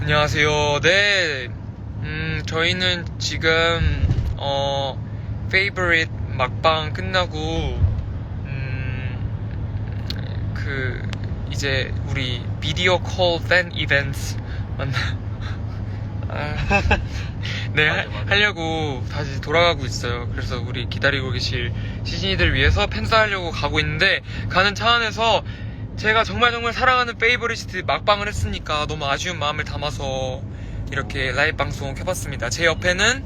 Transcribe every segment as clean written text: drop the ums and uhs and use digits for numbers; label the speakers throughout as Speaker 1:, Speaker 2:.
Speaker 1: 안녕하세요. 네, 저희는 지금 favorite 막방 끝나고 이제 우리 비디오 콜 팬 이벤트 만나 네,
Speaker 2: 맞아.
Speaker 1: 하려고 다시 돌아가고 있어요. 그래서 우리 기다리고 계실 시즌이들 위해서 팬싸 하려고 가고 있는데, 가는 차 안에서 제가 정말 사랑하는 페이보리스트 막방을 했으니까 너무 아쉬운 마음을 담아서 이렇게 라이브 방송 켜봤습니다. 제 옆에는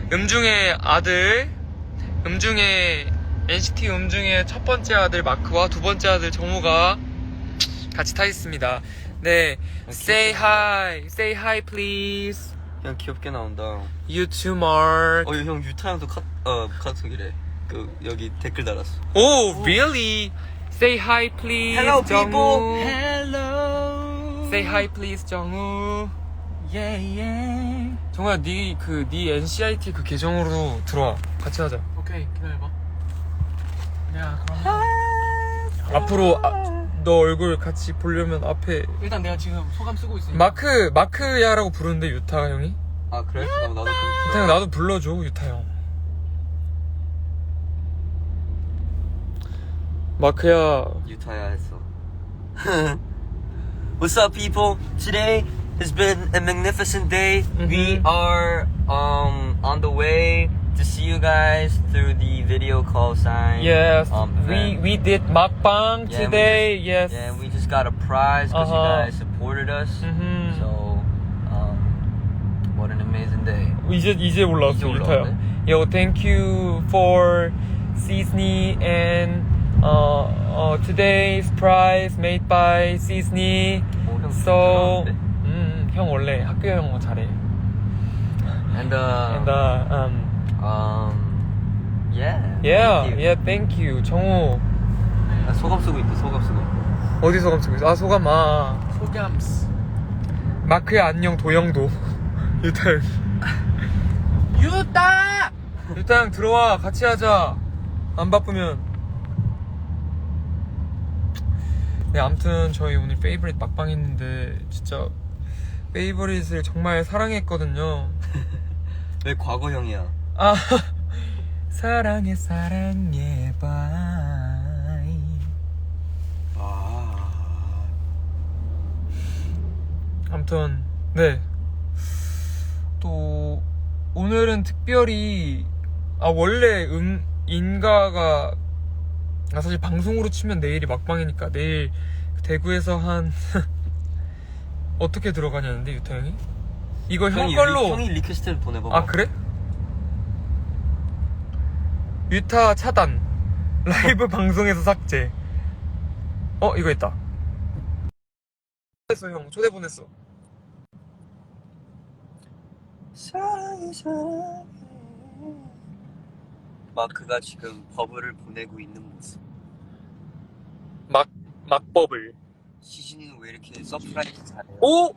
Speaker 1: NCT 음중의 첫 번째 아들 마크와 두 번째 아들 정우가 같이 타 있습니다. 네, say hi please.
Speaker 2: 형 귀엽게 나온다.
Speaker 1: You too, Mark.
Speaker 2: 형 유타 형도 카톡이래. 여기 댓글 달았어.
Speaker 1: Oh, really? Say hi, please.
Speaker 2: Hello,
Speaker 1: 정우.
Speaker 2: people.
Speaker 1: Hello. Say hi, please, 정우.
Speaker 2: Yeah.
Speaker 1: 정우야, 네 NCIT 그 계정으로 들어와. 같이 하자.
Speaker 3: 오케이, 기다려봐. 내가 그럼
Speaker 1: 앞으로 너 얼굴 같이 보려면 앞에
Speaker 3: 일단 내가 지금 소감 쓰고 있으니까.
Speaker 1: 마크야라고 부르는데, 유타 형이?
Speaker 2: 아 그래? 나도
Speaker 1: 유타 형 나도 불러줘, 유타 형. 마크야.
Speaker 2: 유타야 했어. What's up, people? Today has been a magnificent day. We are on the way to see you guys through the video call sign.
Speaker 1: Yes,
Speaker 2: event.
Speaker 1: we did makbang
Speaker 2: Yeah,
Speaker 1: today. Yes.
Speaker 2: Yeah, we just got a prize because you guys supported us.
Speaker 1: Mhm.
Speaker 2: So, what an amazing day.
Speaker 1: 이제 올라왔어,
Speaker 2: 이제
Speaker 1: 유타야.
Speaker 2: 올라왔네.
Speaker 1: Yo, thank you for Cisney and today's prize made by Cisney.
Speaker 2: 형
Speaker 1: So,
Speaker 2: 부끄러운데?
Speaker 1: 형 원래 학교 영어 잘해.
Speaker 2: And
Speaker 1: Yeah, thank you. 정우
Speaker 2: 소감 쓰고 있다. 소감 쓰고.
Speaker 1: 어디 소감 쓰고 있어? 아, 소감
Speaker 3: 소감스.
Speaker 1: 마크야 안녕 도영도. 유타 형.
Speaker 3: 유따!
Speaker 1: 유타 형 들어와, 같이 하자. 안 바쁘면. 네, 아무튼 저희 오늘 페이버릿 막방 했는데 진짜 페이버릿을 정말 사랑했거든요.
Speaker 2: 왜 과거형이야?
Speaker 1: 아, 사랑해 바이. 아무튼 네, 또 오늘은 특별히 원래 인가가 사실 방송으로 치면 내일이 막방이니까 내일 대구에서 한 어떻게 들어가냐는데, 유타 형이? 이거 형 걸로.
Speaker 2: 형이 리퀘스트를 보내봐.
Speaker 1: 아, 그래? 유타 차단. 라이브 방송에서 삭제. 이거 있다. 보냈어, 형. 초대 보냈어.
Speaker 2: 사랑해. 마크가 지금 버블을 보내고 있는 모습.
Speaker 1: 막버블.
Speaker 2: 시진이는 왜 이렇게 서프라이즈 잘해요?
Speaker 1: 오!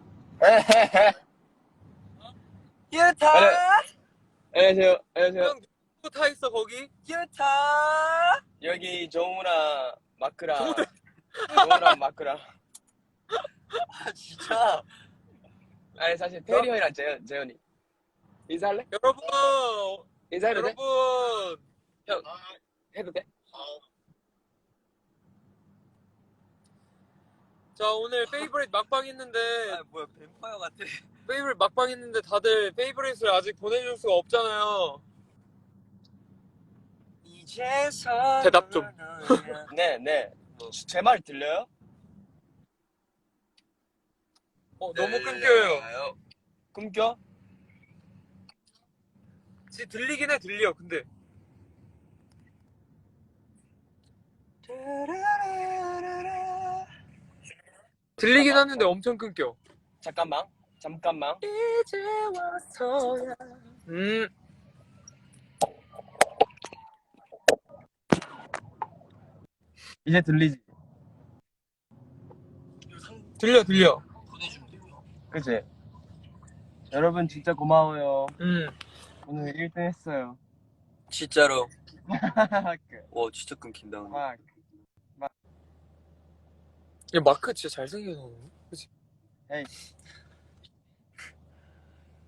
Speaker 2: 유타!
Speaker 4: 안녕하세요.
Speaker 1: 형, 누구 타 있어, 거기?
Speaker 2: 유타!
Speaker 4: 여기 정우랑 마크랑
Speaker 1: 정우도-
Speaker 4: 정우랑 마크랑.
Speaker 2: 아 진짜?
Speaker 4: 아니 사실 태일이 형이랑 재현이. 인사할래?
Speaker 1: 여러분!
Speaker 4: 인사해도 돼?
Speaker 1: 여러분!
Speaker 4: 형 해도 돼?
Speaker 1: 자, 오늘 페이버릿 막방 했는데,
Speaker 2: 아 뭐야 뱀파이어 같아.
Speaker 1: 페이버릿 막방 했는데 다들 페이버릿을 아직 보내줄 수가 없잖아요.
Speaker 2: 이제서
Speaker 1: 대답 좀.
Speaker 4: 네. 제 말 들려요?
Speaker 1: 너무 끊겨요.
Speaker 4: 끊겨?
Speaker 1: 들리긴 해, 들려, 근데. 들리긴 하는데 엄청 끊겨.
Speaker 4: 잠깐만.
Speaker 1: 이제 와서야.
Speaker 4: 이제 들리지?
Speaker 1: 들려.
Speaker 4: 그치? 여러분 진짜 고마워요.
Speaker 1: 음.
Speaker 4: 오늘 1등 했어요.
Speaker 2: 진짜로. 와 진짜 끊긴다.
Speaker 1: 야, 마크 진짜 잘생겨서. 그치?
Speaker 4: 에이.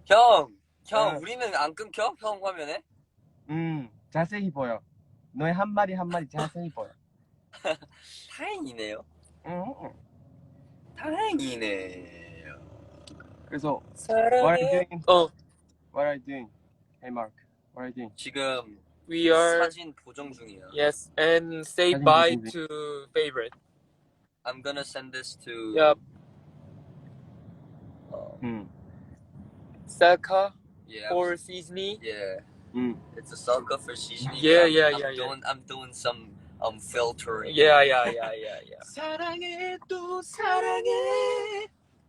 Speaker 2: 형,
Speaker 5: 응.
Speaker 2: 우리는 안 끊겨? 형 화면에?
Speaker 5: 자세히 보여. 너의 한 마디 한 마디 자세히 보여.
Speaker 2: 다행이네요.
Speaker 5: 응.
Speaker 2: 다행이네요.
Speaker 5: 그래서 What are you
Speaker 2: 사랑해.
Speaker 5: doing?
Speaker 1: 어,
Speaker 5: What are you doing? Hey Mark, what are you doing?
Speaker 2: 지금
Speaker 1: we are
Speaker 2: 사진 보정 중이야.
Speaker 1: yes and say
Speaker 5: 사진
Speaker 1: bye
Speaker 5: 보정 중.
Speaker 1: to favorite.
Speaker 2: I'm gonna send this to.
Speaker 1: Yep. Selka
Speaker 2: Yeah.
Speaker 1: or seasoning.
Speaker 2: Yeah.
Speaker 5: 응.
Speaker 2: It's a salka for seasoning.
Speaker 1: Yeah,
Speaker 2: I'm-
Speaker 1: yeah,
Speaker 2: I'm
Speaker 1: yeah, yeah.
Speaker 2: doing, I'm doing some filtering.
Speaker 1: Yeah.
Speaker 4: 사랑해 또 사랑해.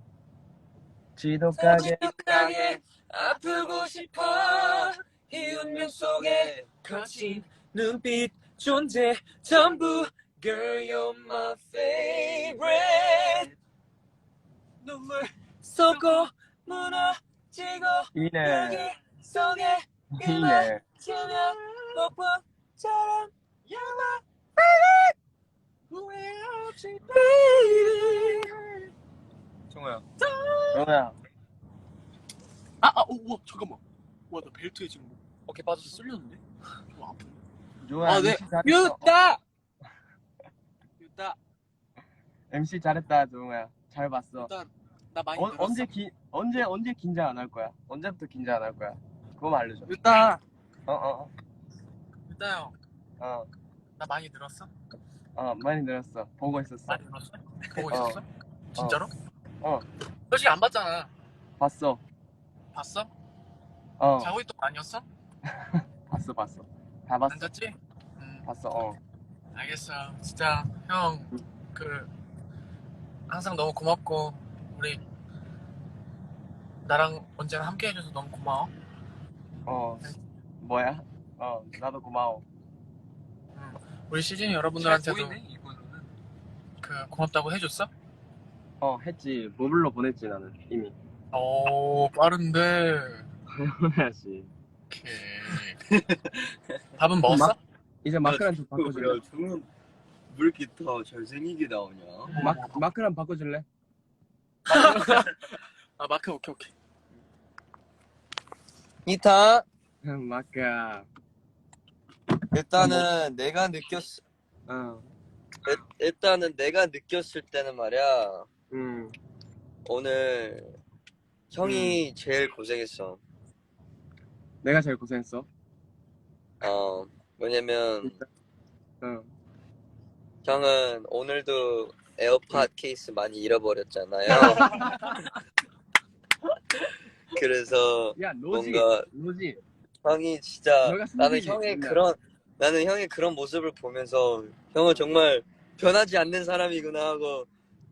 Speaker 5: 지독하게
Speaker 2: 가게 아프고 싶어. 이 운명 속에
Speaker 1: 거친 눈빛 존재 전부 Girl you're my favorite. 눈물 쏟고 무너지고
Speaker 5: 이네
Speaker 1: 여기 속에
Speaker 5: 이네.
Speaker 1: 치면 폭풍처럼 You're my favorite. 후회 없이 baby. 정우야.
Speaker 5: 정우야.
Speaker 3: 우와, 잠깐만. 와, 나 벨트에 지금 뭐
Speaker 1: 어깨 빠졌어.
Speaker 3: 쓸렸는데? 좀 아픈데?
Speaker 5: 정우야.
Speaker 3: 네.
Speaker 5: MC 잘했어.
Speaker 1: 유다.
Speaker 3: 유다,
Speaker 5: MC 잘했다 정우야. 잘 봤어.
Speaker 3: 유다, 나 많이 늘었어.
Speaker 5: 언제 긴장 안 할 거야? 언제부터 긴장 안 할 거야? 그거만 알려줘.
Speaker 3: 유다,
Speaker 5: 어.
Speaker 3: 유다 형, 나 많이 늘었어?
Speaker 5: 많이 늘었어. 보고 있었어.
Speaker 3: 많이 늘었어? 보고 있었어? 진짜로?
Speaker 5: 어.
Speaker 3: 솔직히 안 봤잖아.
Speaker 5: 봤어.
Speaker 3: 봤어?
Speaker 5: 어.
Speaker 3: 자고 있던 거 아니었어?
Speaker 5: 봤어. 다 봤어.
Speaker 3: 안 잤지?
Speaker 5: 봤어.
Speaker 3: 알겠어. 진짜 형 항상 너무 고맙고 우리 나랑 언제나 함께 해줘서 너무 고마워.
Speaker 5: 뭐야? 나도 고마워.
Speaker 3: 우리 시즌 여러분들한테도
Speaker 2: 이거는.
Speaker 3: 고맙다고 해줬어?
Speaker 5: 했지. 모블로 보냈지 나는 이미.
Speaker 3: 오, 빠른데.
Speaker 5: 해야지.
Speaker 3: 오케이. 밥은 먹었어?
Speaker 5: 이제 마크랑 좀 바꿔줄래?
Speaker 2: 정우 왜 이렇게 더 잘생기게 나오냐?
Speaker 5: 마크랑 바꿔줄래?
Speaker 3: 아, 마크 오케이.
Speaker 2: 니타.
Speaker 5: 마크야.
Speaker 2: 일단은 내가 느꼈을 때는 말이야. 오늘 형이 제일 고생했어.
Speaker 5: 내가 제일 고생했어.
Speaker 2: 왜냐면 형은 오늘도 에어팟 케이스 많이 잃어버렸잖아요. 그래서
Speaker 5: 야, 노지.
Speaker 2: 뭔가 형이 진짜
Speaker 5: 너가 승진이지,
Speaker 2: 나는 형의 그런 모습을 보면서 형은 정말 변하지 않는 사람이구나 하고.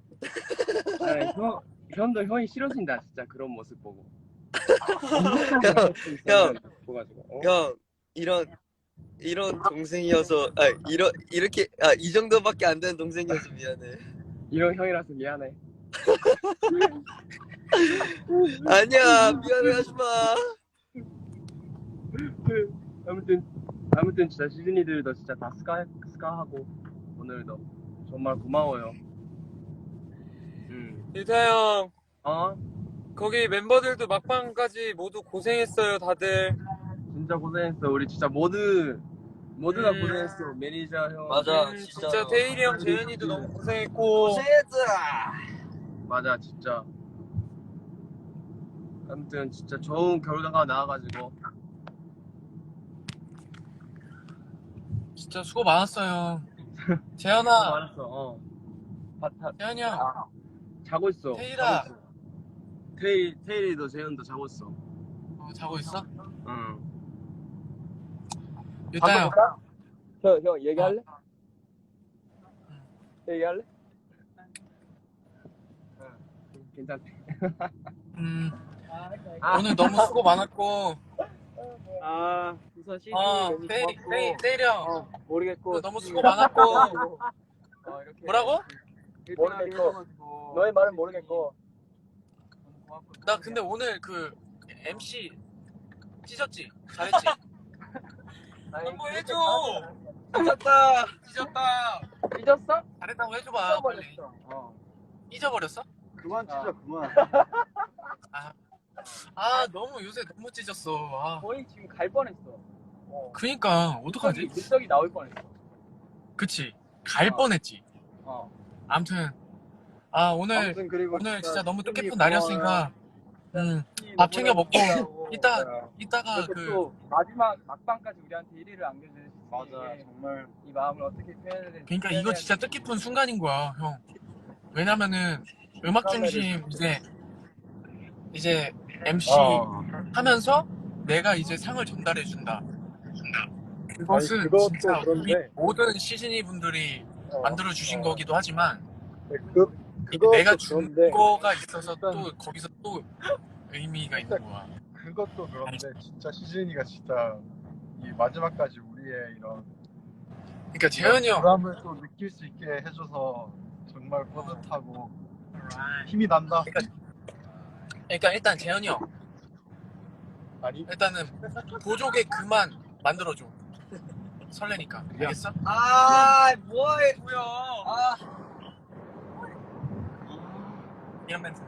Speaker 5: 형도 형이 싫어진다 진짜 그런 모습 보고.
Speaker 2: 형,
Speaker 5: 보가지고.
Speaker 2: 형 이런 동생이어서 이렇게 이 정도밖에 안 되는 동생이어서 미안해.
Speaker 5: 이런 형이라서 미안해.
Speaker 2: 아니야, 미안해하지 마.
Speaker 5: 아무튼 진짜 시즈니들도 진짜 다 스카하고 오늘도 정말 고마워요.
Speaker 1: 유다 형.
Speaker 5: 어?
Speaker 1: 거기 멤버들도 막방까지 모두 고생했어요, 다들.
Speaker 5: 진짜 고생했어. 우리 진짜 모두 다 고생했어. 매니저 형.
Speaker 2: 맞아,
Speaker 1: 진짜 태일이 형, 재현이도 너무 고생했고.
Speaker 2: 고생했더라.
Speaker 5: 맞아, 진짜. 아무튼 진짜 좋은 결과가 나와가지고.
Speaker 3: 진짜 수고 많았어요. 재현아,
Speaker 5: 알았어.
Speaker 3: 재현이 형,
Speaker 5: 자고 있어.
Speaker 3: 태일아.
Speaker 5: 자고 있어. 태일이도 재현도 자고 있어.
Speaker 3: 자고 있어?
Speaker 5: 응.
Speaker 3: 유다 형,
Speaker 4: 형 얘기할래? 얘기할래?
Speaker 5: 괜찮대.
Speaker 3: 오늘 너무 수고 많았고.
Speaker 4: 우선 시즌
Speaker 3: 태일이 형,
Speaker 4: 모르겠고
Speaker 3: 너무 수고 많았고.
Speaker 4: 이렇게
Speaker 3: 뭐라고?
Speaker 4: 모르겠고 너의 말은 모르겠고
Speaker 3: 나 근데 오늘 MC 찢었지? 잘했지? 한번 해줘.
Speaker 2: 미쳤다.
Speaker 3: 찢었다.
Speaker 4: 삐졌어?
Speaker 3: 잘했다고 해줘봐. 빨리.
Speaker 4: 삐져버렸어.
Speaker 3: 잊어버렸어?
Speaker 5: 그만 찢어, 그만.
Speaker 3: 아 너무 요새 너무 찢었어. 아
Speaker 5: 거의 지금 갈 뻔했어.
Speaker 3: 그니까 어떡하지?
Speaker 5: 물떡이 나올 뻔했어.
Speaker 3: 그치 갈
Speaker 5: 어.
Speaker 3: 뻔했지.
Speaker 5: 어.
Speaker 3: 아무튼 아 오늘
Speaker 5: 아무튼 그리고
Speaker 3: 진짜 너무
Speaker 5: 시즌이
Speaker 3: 뜻깊은 날이었으니까 밥 챙겨 먹고 이따가
Speaker 5: 이렇게
Speaker 3: 그
Speaker 5: 또 마지막 막방까지 우리한테 1위를 안겨주신 맞아 정말 이 마음을 어떻게 표현해야 될지.
Speaker 3: 그러니까 이거 진짜 뜻깊은 순간인 거야 형. 왜냐면은 음악 중심 이제 MC 하면서 내가 이제 상을 전달해 준다. 그것은
Speaker 5: 그것도
Speaker 3: 진짜 우리
Speaker 5: 그런데.
Speaker 3: 모든 시즈니 분들이 만들어 주신 거기도 하지만
Speaker 5: 그것도
Speaker 3: 내가 준
Speaker 5: 그런데.
Speaker 3: 거가 있어서 또 거기서 또 의미가 있는 거야.
Speaker 6: 그것도 그런데 진짜 시즌이가 진짜 이 마지막까지 우리의 이런
Speaker 3: 그러니까 재현이 형
Speaker 6: 보람을 또 느낄 수 있게 해줘서 정말 뿌듯하고 힘이 난다.
Speaker 3: 그러니까 일단 재현이 형
Speaker 6: 아니
Speaker 3: 일단은 보조개 그만 만들어줘. 설레니까 알겠어?
Speaker 2: 아, 뭐해, 도영. 아,
Speaker 3: 이런 멘트.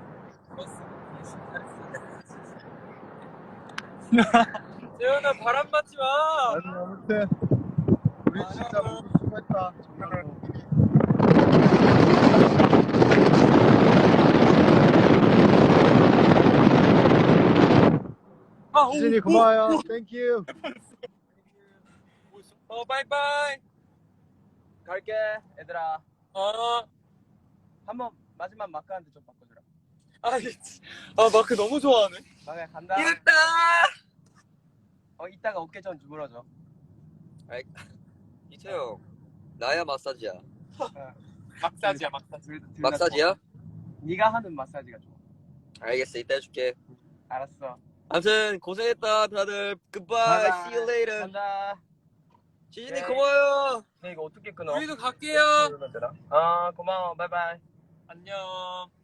Speaker 1: 재현아 바람 맞지 마.
Speaker 6: 아니 아무튼 우리 진짜 모두 수고했다 정말로. 시즌이 고마워요. 땡큐.
Speaker 1: 바이바이.
Speaker 5: 갈게 얘들아.
Speaker 1: 어.
Speaker 5: 한번 마지막 마크한테 좀 바꿔주라.
Speaker 1: 마크 너무 좋아하네.
Speaker 5: 막야 간다.
Speaker 1: 이랬다.
Speaker 5: 이따가 어깨 좀 주물어줘.
Speaker 2: 이태형, 나야 마사지야.
Speaker 3: 막사지야 막사지.
Speaker 2: 마사지야?
Speaker 5: 네가 하는 마사지가 좋아.
Speaker 2: 알겠어, 이따 해줄게.
Speaker 5: 알았어.
Speaker 2: 아무튼 고생했다, 다들. Goodbye,
Speaker 5: 바이바이.
Speaker 2: see you later.
Speaker 5: 간다.
Speaker 2: 시즌이
Speaker 5: 네.
Speaker 2: 고마워요.
Speaker 5: 이거 어떻게 끊어?
Speaker 1: 우리도 갈게요.
Speaker 5: 고마워. 바이바이.
Speaker 1: 안녕.